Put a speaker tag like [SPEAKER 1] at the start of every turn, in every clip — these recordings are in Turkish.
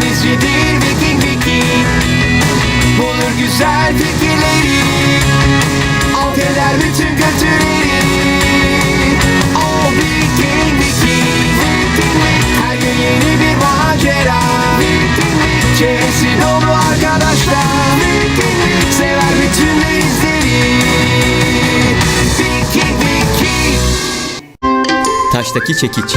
[SPEAKER 1] denizcidir Viking Viking. Bulur güzel fikirleri, alt eder bütün kötüleri. O Viking Viking. Her gün yeni bir macera. Çevresi dolu arkadaşlar. Sever bütün denizleri. Viking Viking.
[SPEAKER 2] Taştaki çekiç.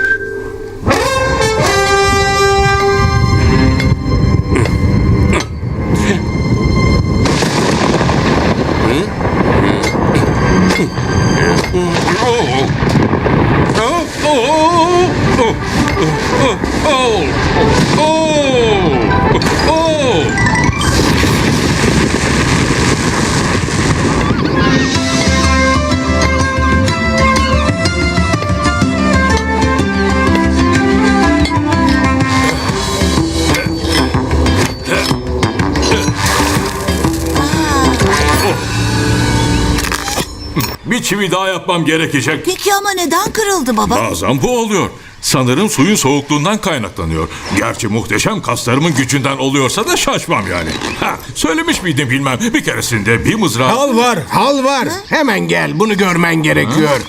[SPEAKER 3] Bir çivi daha yapmam gerekecek.
[SPEAKER 4] Peki ama neden kırıldı baba?
[SPEAKER 3] Bazen bu oluyor. Sanırım suyun soğukluğundan kaynaklanıyor. Gerçi muhteşem kaslarımın gücünden oluyorsa da şaşmam yani. Söylemiş miydim bilmem. Bir keresinde bir mızrağı...
[SPEAKER 5] Hal var, hal var. Hemen gel, bunu görmen gerekiyor.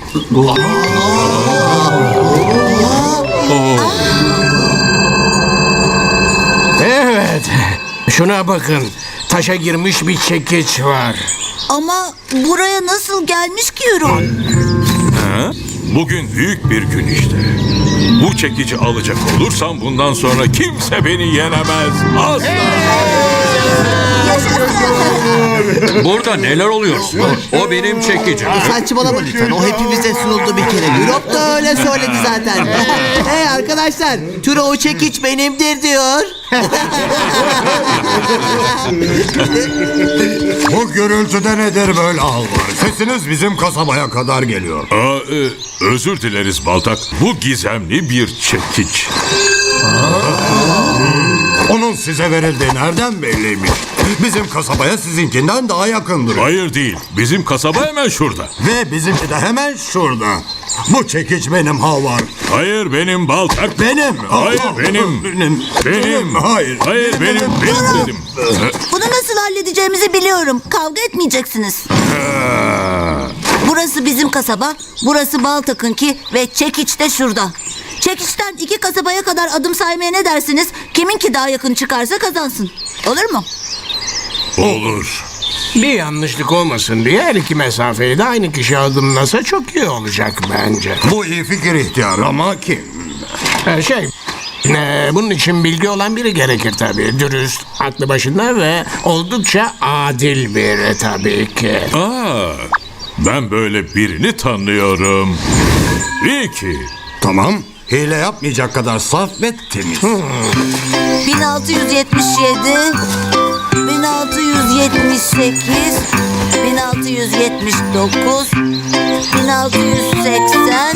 [SPEAKER 5] Evet, şuna bakın. Taşa girmiş bir çekiç var.
[SPEAKER 4] Ama buraya nasıl gelmiş ki Euron?
[SPEAKER 3] Bugün büyük bir gün işte. Bu çekici alacak olursam bundan sonra kimse beni yenemez. Asla.
[SPEAKER 6] Burada neler oluyor? O benim çekicim.
[SPEAKER 7] Saçmalama lütfen. O hepimize sunuldu bir kere. Europe da öyle söyledi zaten. Hey arkadaşlar, Turo o çekiç benimdir diyor.
[SPEAKER 8] Bu gürültüde nedir böyle hal var? Sesiniz bizim kasabaya kadar geliyor.
[SPEAKER 3] Özür dileriz Baltak. Bu gizemli bir çekiç.
[SPEAKER 8] Onun size verildiği nereden belliymiş? Bizim kasabaya sizinkinden daha yakındır.
[SPEAKER 3] Hayır değil. Bizim kasaba hemen şurada.
[SPEAKER 8] Ve bizimki de hemen şurada. Bu çekiç benim Havar.
[SPEAKER 3] Hayır benim Baltak.
[SPEAKER 8] Benim.
[SPEAKER 3] Hayır benim.
[SPEAKER 8] Benim. Hayır.
[SPEAKER 3] Hayır benim dedim.
[SPEAKER 4] Bunu nasıl halledeceğimizi biliyorum. Kavga etmeyeceksiniz. Burası bizim kasaba, burası Baltak'ınki ve çekiç de şurada. Çekiçten 2 kasabaya kadar adım saymaya ne dersiniz? Kiminki daha yakın çıkarsa kazansın. Olur mu?
[SPEAKER 3] Olur.
[SPEAKER 5] Bir yanlışlık olmasın diye her iki mesafeyi de aynı kişi adımlasa çok iyi olacak bence.
[SPEAKER 8] Bu iyi fikir ihtiyar ama kim?
[SPEAKER 5] Bunun için bilgi olan biri gerekir tabii. Dürüst, aklı başında ve oldukça adil biri tabii ki.
[SPEAKER 3] Ben böyle birini tanıyorum. Ricky.
[SPEAKER 8] Tamam. Hile yapmayacak kadar saf ve temiz.
[SPEAKER 4] 1677, 1678, 1679, 1680,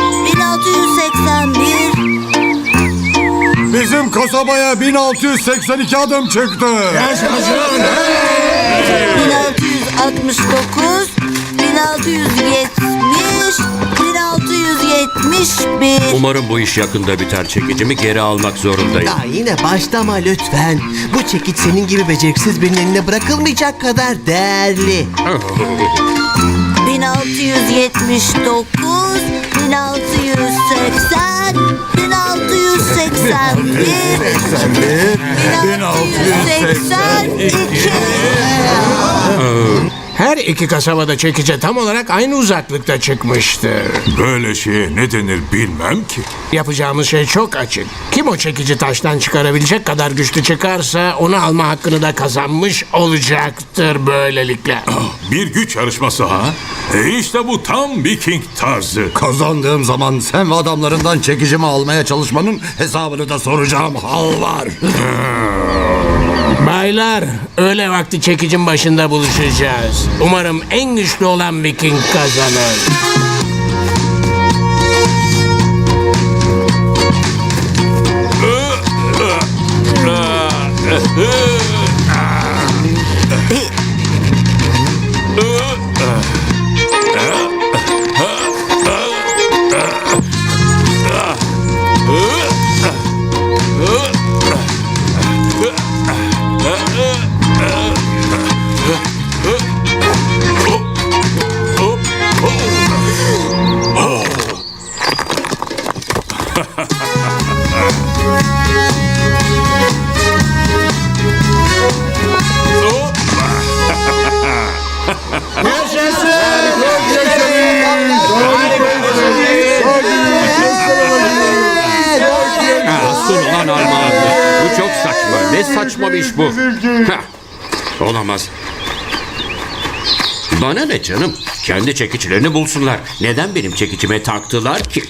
[SPEAKER 4] 1681.
[SPEAKER 8] Bizim kasabaya 1682 adım çıktı.
[SPEAKER 4] 1669, 1670, 1671.
[SPEAKER 6] Umarım bu iş yakında biter. Çekicimi geri almak zorundayım.
[SPEAKER 7] Ya yine başlama lütfen. Bu çekiç senin gibi beceriksiz birinin eline bırakılmayacak kadar değerli.
[SPEAKER 4] 1679, 1680, 1681, 1682.
[SPEAKER 5] Her iki kasabada çekice tam olarak aynı uzaklıkta çıkmıştır.
[SPEAKER 3] Böyle şeye ne denir bilmem ki.
[SPEAKER 5] Yapacağımız şey çok açık. Kim o çekici taştan çıkarabilecek kadar güçlü çıkarsa onu alma hakkını da kazanmış olacaktır böylelikle.
[SPEAKER 3] Bir güç yarışması ha? İşte bu tam Viking tarzı.
[SPEAKER 8] Kazandığım zaman sen ve adamlarından çekicimi almaya çalışmanın hesabını da soracağım hal var.
[SPEAKER 5] Baylar, öğle vakti çekicin başında buluşacağız. Umarım en güçlü olan Viking kazanır.
[SPEAKER 6] Ne saçma bir iş bu. Heh, olamaz. Bana ne canım? Kendi çekiçlerini bulsunlar. Neden benim çekicime taktılar ki?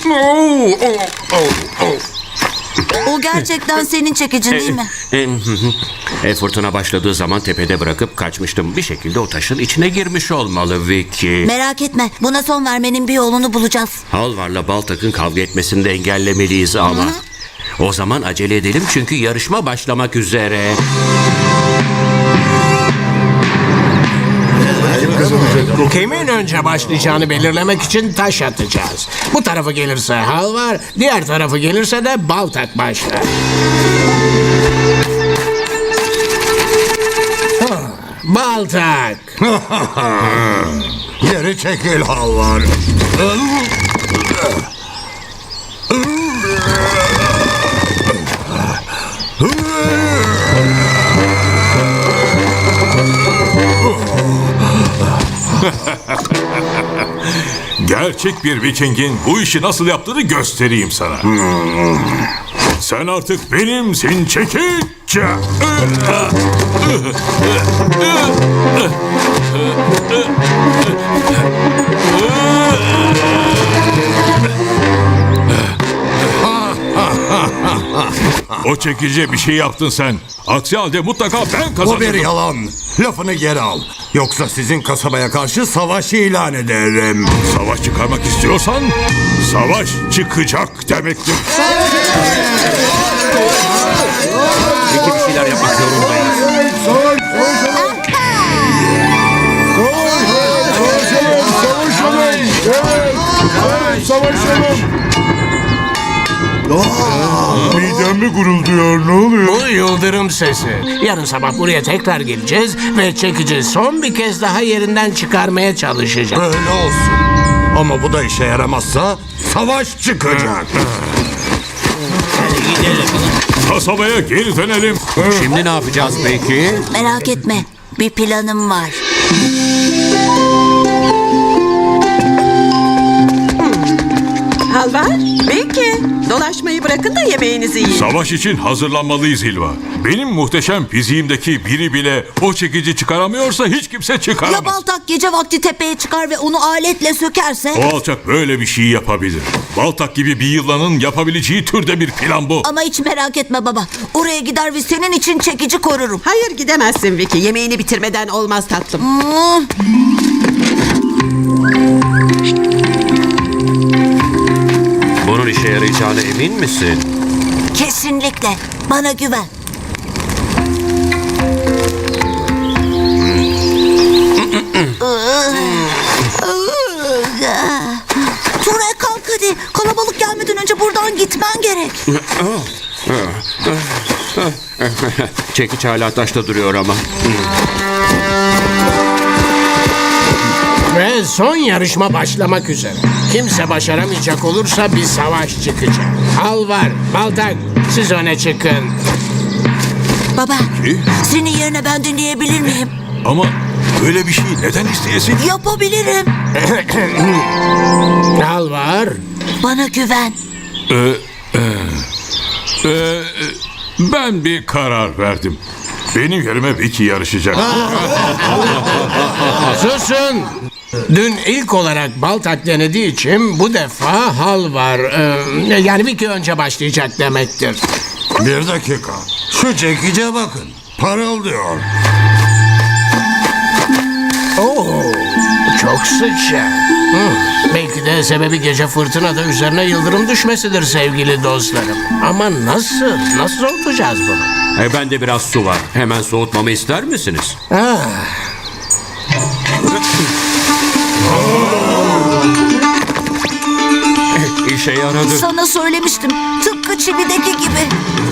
[SPEAKER 4] O gerçekten senin çekicin değil mi?
[SPEAKER 6] Fırtına başladığı zaman tepede bırakıp kaçmıştım. Bir şekilde o taşın içine girmiş olmalı Vicky.
[SPEAKER 4] Merak etme. Buna son vermenin bir yolunu bulacağız.
[SPEAKER 6] Halvar'la Baltak'ın kavga etmesini de engellemeliyiz ama. O zaman acele edelim çünkü yarışma başlamak üzere.
[SPEAKER 5] Kimin önce başlayacağını belirlemek için taş atacağız. Bu tarafı gelirse Halvar, diğer tarafı gelirse de Baltak başlar. Baltak.
[SPEAKER 8] Geri çekil Halvar.
[SPEAKER 3] Gerçek bir Viking'in bu işi nasıl yaptığını göstereyim sana. Sen artık benimsin çekiç. O çekici bir şey yaptın sen. Aksi halde mutlaka ben
[SPEAKER 8] Bu
[SPEAKER 3] kazanırım.
[SPEAKER 8] bir yalan. Lafını geri al. Yoksa sizin kasabaya karşı savaş ilan ederim.
[SPEAKER 3] Savaş çıkarmak istiyorsan savaş çıkacak demektir.
[SPEAKER 6] Peki bir şeyler yapmak zorundayız.
[SPEAKER 3] Midem mi gurulduyor, ne oluyor?
[SPEAKER 5] Bu yıldırım sesi. Yarın sabah buraya tekrar geleceğiz ve çekici son bir kez daha yerinden çıkarmaya çalışacağız.
[SPEAKER 8] Öyle olsun. Ama bu da işe yaramazsa savaş çıkacak.
[SPEAKER 3] Kasabaya geri dönelim.
[SPEAKER 6] Şimdi ne yapacağız peki?
[SPEAKER 4] Merak etme. Bir planım var.
[SPEAKER 9] Halvar, belki. Dolaşmayı bırakın da yemeğinizi yiyin.
[SPEAKER 3] Savaş için hazırlanmalıyız Hilva. Benim muhteşem fiziğimdeki biri bile o çekici çıkaramıyorsa hiç kimse
[SPEAKER 4] Ya
[SPEAKER 3] çıkaramaz.
[SPEAKER 4] Baltak gece vakti tepeye çıkar ve onu aletle sökerse?
[SPEAKER 3] O alçak böyle bir şey yapabilir. Baltak gibi bir yılanın yapabileceği türde bir plan bu.
[SPEAKER 4] Ama hiç merak etme baba. Oraya gider ve senin için çekici korurum.
[SPEAKER 9] Hayır gidemezsin Vicky. Yemeğini bitirmeden olmaz tatlım.
[SPEAKER 6] Bunun işe yarayacağına emin misin?
[SPEAKER 4] Kesinlikle. Bana güven. Ture kalk hadi. Kalabalık gelmeden önce buradan gitmen gerek.
[SPEAKER 6] Çekiç hala taşta duruyor ama.
[SPEAKER 5] Ve son yarışma başlamak üzere. Kimse başaramayacak olursa bir savaş çıkacak. Halvar, Baltak, siz öne çıkın.
[SPEAKER 4] Baba, senin yerine ben dinleyebilir miyim?
[SPEAKER 3] Ama böyle bir şey neden isteyesin?
[SPEAKER 4] Yapabilirim.
[SPEAKER 5] Halvar,
[SPEAKER 4] Bana güven.
[SPEAKER 3] Ben bir karar verdim. Benim yerime Vicky yarışacak.
[SPEAKER 5] susun. Dün ilk olarak Baltak denediği için bu defa Halvar, yani bir iki önce başlayacak demektir.
[SPEAKER 8] Bir dakika. Şu çekice bakın. Parıldıyor.
[SPEAKER 5] Oo, çok sıcak. Belki de sebebi gece fırtınada üzerine yıldırım düşmesidir sevgili dostlarım. Ama nasıl soğutacağız bunu?
[SPEAKER 6] Bende biraz su var. Hemen soğutmamı ister misiniz? İşe yaradı.
[SPEAKER 4] Sana söylemiştim. Tıpkı çivideki gibi.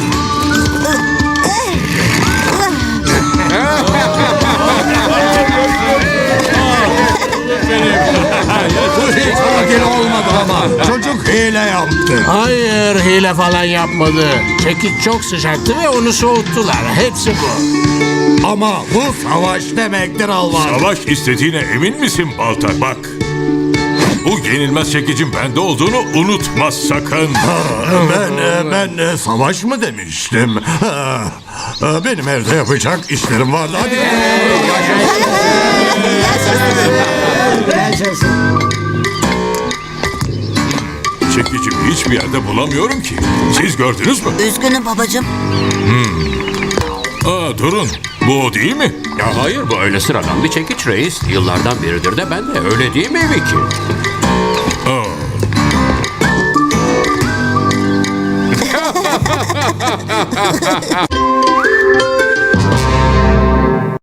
[SPEAKER 8] Bu hiç adil olmadı ama. Çocuk hile yaptı.
[SPEAKER 5] Hayır, hile falan yapmadı. Çekiç çok sıcaktı ve onu soğuttular. Hepsi bu.
[SPEAKER 8] Ama bu savaş demektir Alvar.
[SPEAKER 3] Savaş istediğine emin misin Baltak? Bak. Bu yenilmez çekicin bende olduğunu unutma sakın.
[SPEAKER 8] Ben savaş mı demiştim? Benim evde yapacak işlerim vardı. Hadi.
[SPEAKER 3] Çekicimi hiçbir yerde bulamıyorum ki. Siz gördünüz mü?
[SPEAKER 4] Üzgünüm babacığım.
[SPEAKER 3] Durun. Bu o değil mi?
[SPEAKER 6] Ya hayır, bu öyle sıradan bir çekiç reis. Yıllardan beridir de ben de, öyle değil mi Vicky?
[SPEAKER 3] Aa.